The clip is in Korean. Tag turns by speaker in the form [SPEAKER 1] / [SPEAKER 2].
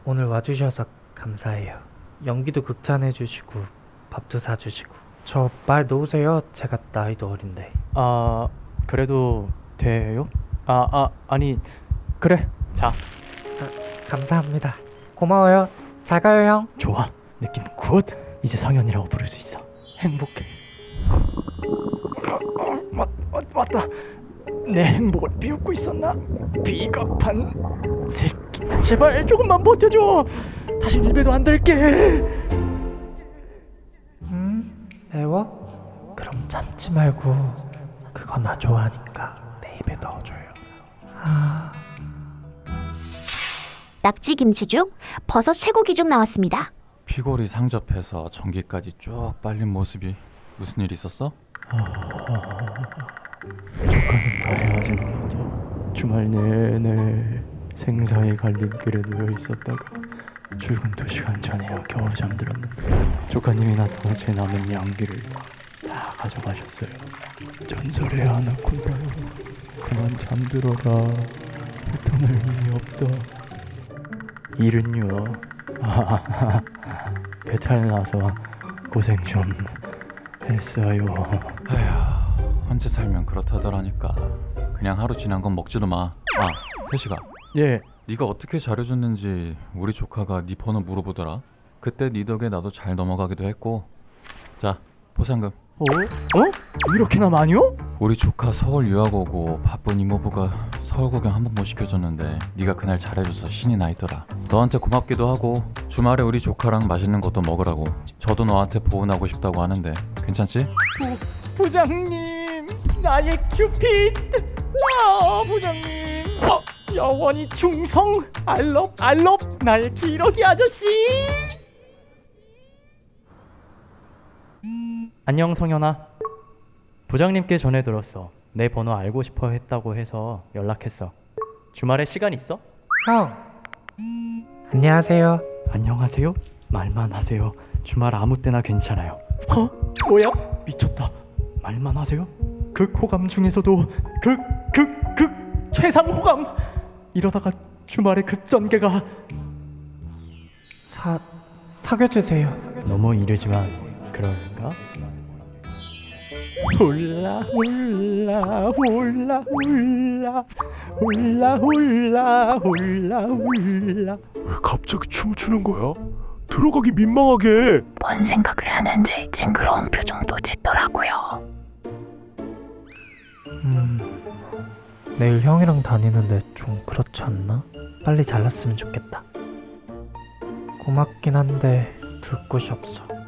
[SPEAKER 1] 오늘 와주셔서 감사해요. 연기도 극찬해주시고 밥도 사주시고. 저 말 놓으세요. 제가 나이도 어린데.
[SPEAKER 2] 그래도 돼요? 아니 그래. 자,
[SPEAKER 1] 감사합니다. 고마워요. 잘 가요, 형.
[SPEAKER 2] 좋아. 느낌 굿. 이제 성현이라고 부를 수 있어. 행복해. 맞다. 내 행복을 비웃고 있었나? 비겁한 새끼. 제발 조금만 버텨줘. 다시 입에도 안 들게.
[SPEAKER 1] 매워? 그럼 참지 말고 그거 나 좋아하니까 내 입에 넣어줘요.
[SPEAKER 3] 낙지 김치죽, 버섯 쇠고기죽 나왔습니다.
[SPEAKER 4] 피골이 상접해서 전기까지 쭉 빨린 모습이 무슨 일 있었어?
[SPEAKER 2] 조카님과 헤어지는 주말 내내 생사의 갈림길에 누워 있었다가 출근 2시간 전에야 겨우 잠들었는데 조카님이 나타나 제 남은 양기를 다 가져가셨어요. 전설의 아나콘다요. 그만 잠들어라. 패턴을 의미 없다. 일은요. 배탈 나서 고생 좀 했어요.
[SPEAKER 4] 아휴, 혼자 살면 그렇다더라니까. 그냥 하루 지난 건 먹지도 마. 혜식아,
[SPEAKER 2] 예.
[SPEAKER 4] 네가 어떻게 잘해줬는지 우리 조카가 네 번호 물어보더라. 그때 네 덕에 나도 잘 넘어가기도 했고. 자, 보상금.
[SPEAKER 2] 이렇게나 많이요?
[SPEAKER 4] 우리 조카 서울 유학 오고 바쁜 이모부가 서울 구경 한 번 못 시켜줬는데 네가 그날 잘해줘서 신이 나 있더라. 너한테 고맙기도 하고 주말에 우리 조카랑 맛있는 것도 먹으라고. 저도 너한테 보은하고 싶다고 하는데 괜찮지?
[SPEAKER 2] 부장님, 나의 큐피드. 부장님. 영원히 충성. 알럽 나의 기러기 아저씨. 안녕 성현아. 부장님께 전해 들었어. 내 번호 알고 싶어 했다고 해서 연락했어. 주말에 시간 있어?
[SPEAKER 1] 형. 안녕하세요.
[SPEAKER 2] 안녕하세요? 말만 하세요. 주말 아무 때나 괜찮아요. 뭐야? 미쳤다. 말만 하세요? 극호감 중에서도 극 최상 호감. 이러다가 주말에 급전개가.
[SPEAKER 1] 사귀어주세요.
[SPEAKER 2] 너무 이르지만 그럴까? 훌라 훌라 훌라 훌라 훌라 훌라 훌라 훌라.
[SPEAKER 5] 왜 갑자기 춤을 추는 거야? 들어가기 민망하게.
[SPEAKER 3] 뭔 생각을 하는지 징그러운 표정도 짓더라고요.
[SPEAKER 1] 내일 형이랑 다니는데 좀 그렇지 않나? 빨리 잘났으면 좋겠다. 고맙긴 한데 둘 곳이 없어.